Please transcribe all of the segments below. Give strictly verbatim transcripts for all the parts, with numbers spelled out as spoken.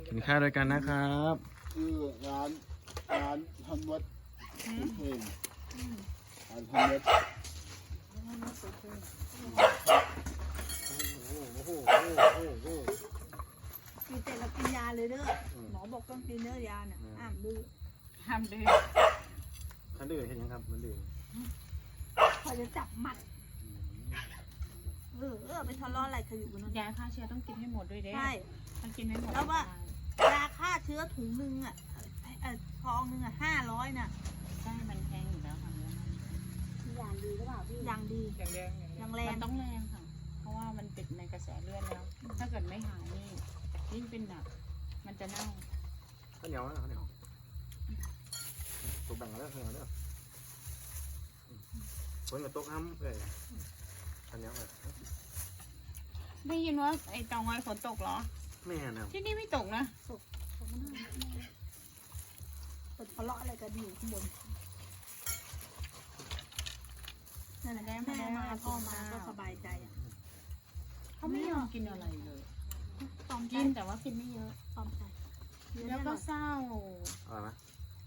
กินข้าวด้วยกันนะครับคือร้านร้านทำวัดเพลงร้านทำวัดโอ้โหโอ้โหโอ้โหกินเสร็จแล้วกินยาเลยเด้อหมอบอกต้องกินเนื้อยาเนี่ยห้ามดื้อห้ามดื้อท่านดื่มเห็นยังครับมันดื่มพอจะจับมัดเออเออไปทะเลาะอะไรกันอยู่บนนั้นยาฆ่าเชื้อต้องกินให้หมดด้วยเด้ใช่ต้องกินให้หมดแล้วว่า ยาฆ่าเชื้อถุงหนึ่งอ่ะเออซองหนึ่งอ่ะห้าร้อยน่ะใช่มันแพงอยู่แล้วค่ะอย่างดีหรือเปล่าพี่อย่างดีอย่างแรงอย่างแรงอย่างแรงมันต้องแรงค่ะ เพราะว่ามันติดในกระแสเลือดแล้ว ถ้าเกิดไม่หายนี่ยิ่งเป็นหนักมันจะเน่าข้าวเหนียวนะข้าวเหนียวตัวแบ่งกันแล้วข้าวเหนียวเนี่ยคนกับโต๊ะห้ำเลยข้าวเหนียวเลยได้ยินว่าไอ้เตางอยฝนตกเหรอไม่เห็นนะที่นี่ไม่ตกนะเปิดทะเลาะอะไรกันอยู่ข้างบนนั่นแหละแม่มาพ่อมาก็สบายใจอ่ะเขาไม่ยอมกินอะไรเลยตอมใจกินแต่ว่ากินไม่เยอะตอมใจแล้วก็เศร้าอะไรนะ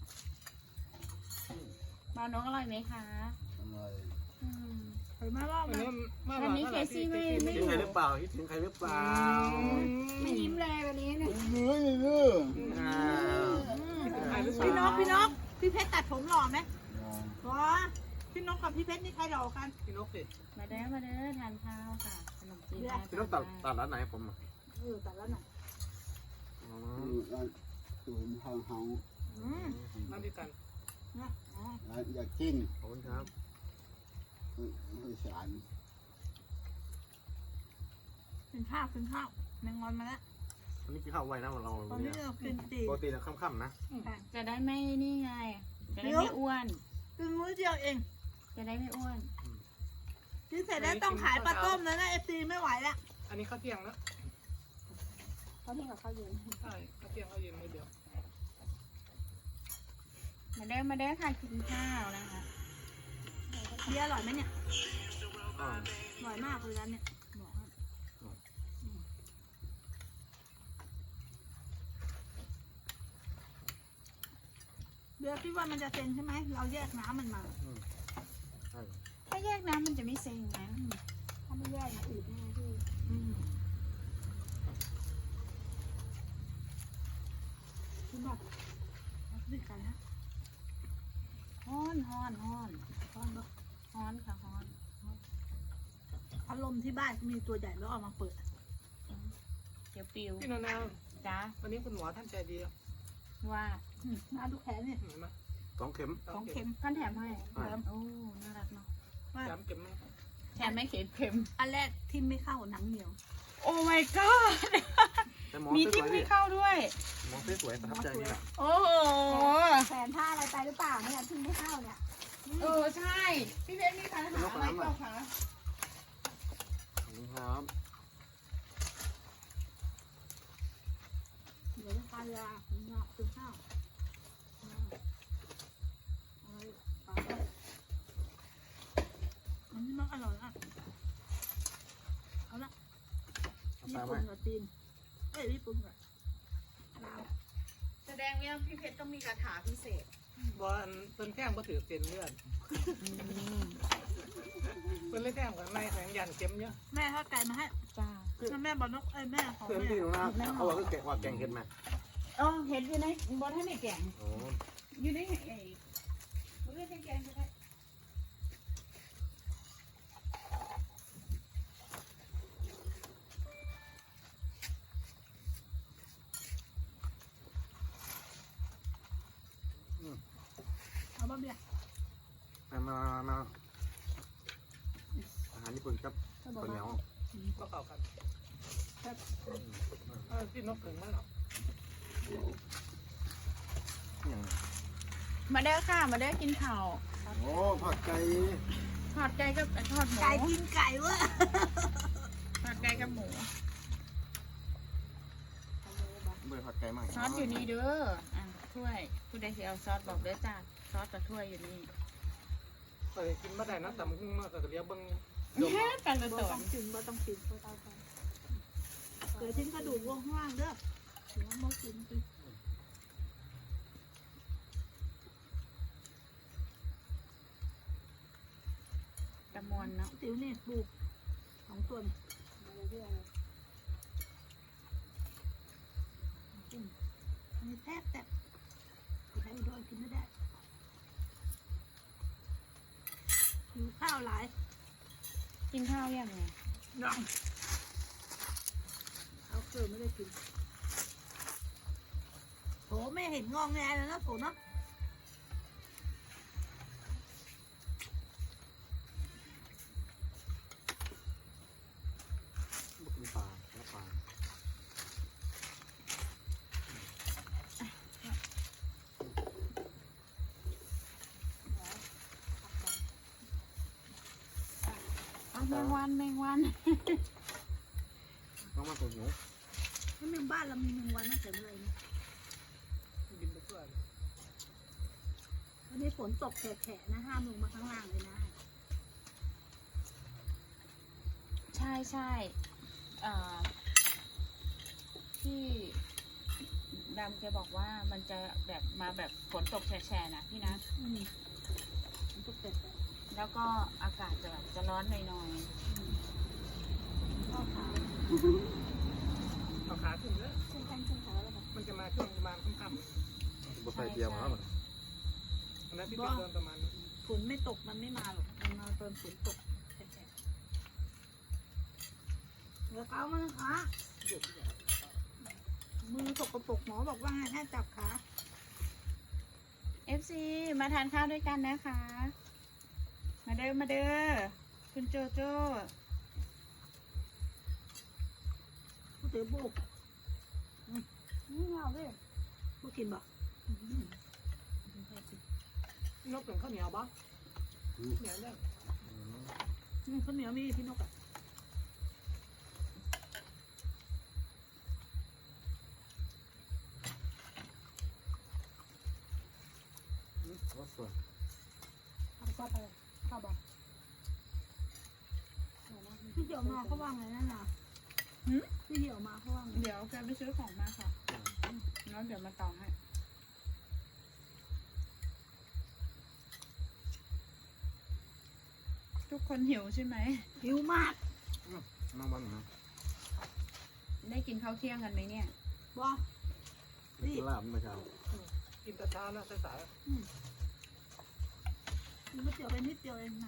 บาวนกอร่อยไหมคะอะไรอืมเห็นไหมว่าวันมันนี้วันนี้เคซี่ไม่ไม่คิดถึงใครหรือเปล่าคิดถึงใครหรือเปล่าไม่ยิ้มเลยวันนี้เนี่ยเนื้อเนื้ออ้าวพี่นกพี่นกพี่เพชรตัดผมหล่อไหมหล่อพี่นกกับพี่เพชรนี่ใครหล่อกันพี่นกสิมาเด้อมาเด้อทานข้าวค่ะขนมจีนพี่ต้องตัดตัดร้านไหนผมอ่ะเออตัดแล้วน่ะอ๋อร้านศูนย์ทางเฮาอืมมาด้วยกันนะอ๋อร้านอยากกินขอบคุณครับไม่สารกินข้าวกินข้าวแมงงอนมาแล้ววันนี้กินข้าวไวนะเราตอนนี้เรากินตีปกติเราค่ำๆนะจะได้ไม่นี่ไง จะได้ไม่อ้วนกินมื้อเดียวเองจะได้ไม่อ้วนกินเสร็จแล้วต้องขายปลาต้มแล้วนะเอฟซีไม่ไหวแล้วอันนี้ข้าวเที่ยงแล้วเขาที่กับข้าวเย็นใช่ข้าวเที่ยงข้าวเย็นมือเดียวมาเด้อมาเด้อค่ะกินข้าวนะคะเบียร์อร่อยไหมเนี่ยอ๋ออร่อยมากเลยร้านเนี่ยบอกให้เบียร์คิดว่ามันจะเซ็งใช่ไหมเราแยกน้ำมันมาใช่ถ้าแยกน้ำมันจะไม่เซ็งนะถ้าไม่แยกนะอืดแน่พี่อืมคุณบอกด้วยกันนะฮ้อนฮ้อนฮ้อนตอนบอกฮ้อนค่ะฮ้อนพัดลมที่บ้านมีตัวใหญ่แล้วเอามาเปิดเดี๋ยวปิวพี่นานาจ้าวันนี้คุณหมอท่านใจดีว่าอืมมาดูแขนเนี่ยเห็นไหมสองเข็มสองเข็มท่านแถมให้อ่าโอ้น่ารักเนาะว่าย้ำเก็บมั้งแถมไม่เข็มเข็มอันแรกทิมไม่เข้าหนังเหนียวโอ้ my god แต่หมอมีสที่วยๆไม่ดิเข้าด้วยหมอสวยๆประทับใจนี่แหละโอ้โหแขนผ้าอะไรไปหรือเปล่าเนี่ยทิมไม่เข้าเนี่ยเออใช่ พี่เพชรมีปัญหาอะไรเปล่าคะขอบคุณครับเดี๋ยวจะทานยาคุณเนาะคุณข้าวเอาเอาไปอันนี้มันอร่อยอ่ะเอาละเอาญี่ตามไหมปุ่นกับจีนเอ้ยญี่ปุ่นกับลาวแสดงว่าพี่เพชรต้องมีคาถาพิเศษบอลเพิ่นแท่งก็ถือเส้นเลือดเพิ่นเลยแท่งกับในแสงยันเข็มเยอะแม่เขาไก่มาให้จ้าแล้วแม่บอกนกเอ้ยแม่ของเพื่อนแม่พี่หนูนะเขาบอกว่าแกะว่าแกงเห็ดมาอ๋อเห็นอยู่ในบนให้ในแกงโอ้อยู่ในไอ้บนให้ในแกงก็ได้เอาบ้าเบียร์มามามาอาหารญี่ปุ่นครับเขาบอกข้าวเหนียวว่าก็เข้ากันเออพี่นกถึงมั้งหรออย่างมาเด้อค่ะ มาเด้อกินข้าวโอ้ผัดไก่ทอดไก่กับทอดหมูไก่กินไก่เวะทอดไก่กับหมูเบื่อผัดไก่มากซอสอยู่นี่เด้ออ่ะถ้วยผู้ใดสิเอาซอสบอกเด้อจ้าซอสกับถ้วยอยู่นี่เคยกินมาได้นะแต่มึงมากกับเลี้ยงบังแค่กันละบ่ตัวต้องกินบ่ต้องกินบ่ต้องกินเดี๋ยวทิ้งกระดูกวงข้างล่างเด้อหัวมากินสิตะมวนเนาะติ๋วนี่ปลูกสองตัวกินมีแทบแต่ใครโดนกินไม่ได้หิวข้าวหลายกินข้าวยังไงน้องเอาเกลือไม่ได้กินโหไม่เห็นงองแงเลยนะโถเนาะบุกมีปลาแล้วปลาเอาแมงวันแมงวันต้องมาตัวหนูแล้วเมืองบ้านเรามีเมืองวันตั้งแต่เมื่อไหร่เนี่ยบินไปทั่ววันนี้ฝนตกแฉะๆนะห้ามลงมาข้างล่างเลยนะใช่ใช่เอ่อที่ดำแกบอกว่ามันจะแบบมาแบบฝนตกแฉะๆนะพี่นะอืมฝนตกแฉะแล้วก็อากาศจะแบบจะร้อนหน่อยๆข้าวขาวเอาขาขึ้นเลยขึ้นแข้งขึ้นขาแล้วแบบมันจะมาช่วงประมาณค่ำบุกใส่เกียร์มาแล้วมันๆอันนั้นที่เป็นเดินประมาณนั้นฝนไม่ตกมันไม่มาหรอกมันมาตอนฝนตกแฉะๆเดี๋ยวเขามันขามือสกปรกหมอบอกว่าให้จับขาๆ เอฟ ซี มาทานข้าวด้วยกันนะคะ มาเด้อมาเด้อคุณโจโจ้ผู้ถือบุกนี่เอาดิบุกกินบ่นกเป็นข้าวเหนียวบ้างเหนียวเนี่ยนี่ข้าวเหนียวมีพี่นกอ่ะว่าสวยเอาข้าวไปข้าวบ่พี่เหี่ยวมาเขาว่าไงนั่นน่ะพี่เหี่ยวมาเขาว่าไงเดี๋ยวแกไปซื้อของมาค่ะแล้วเดี๋ยวมาต่อให้ ทุกคนหิวใช่ไหมหิวมากน้องบ้านนะได้กินข้าวเที่ยงกันไหมเนี่ยบ่นี่ลาบไม่เช้ากินตะเช้านะสายมันก็เจียวไปนิดเดียวเองนะ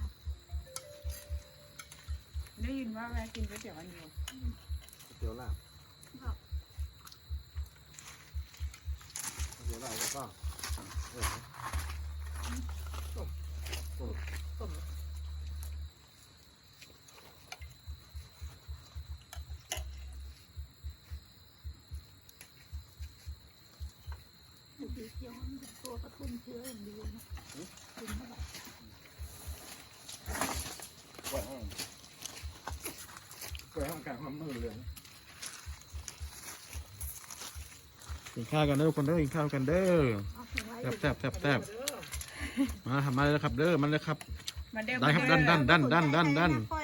ได้ยินว่าแวะกินก๋วยเตี๋ยวกันอยู่เตี๋ยวลาบครับเตี๋ยวลาบแล้วก็เออๆต้มดูดีเจียวมันเป็นตัวกระตุ้นเชื้ออย่างดีนะกินเข้าไปกล้วยห้องกล้วยห้องกลางน้ำมือเลยกินข้าวกันเด้อทุกคนเด้อกินข้าวกันเด้อเอาเก็บไว้แซ่บแซ่บแซ่บแซ่บมาทำมาเลยครับเด้อมันเลยครับมาเด้อได้ครับมาดัเด้นอดันดันดันดันดันค่อย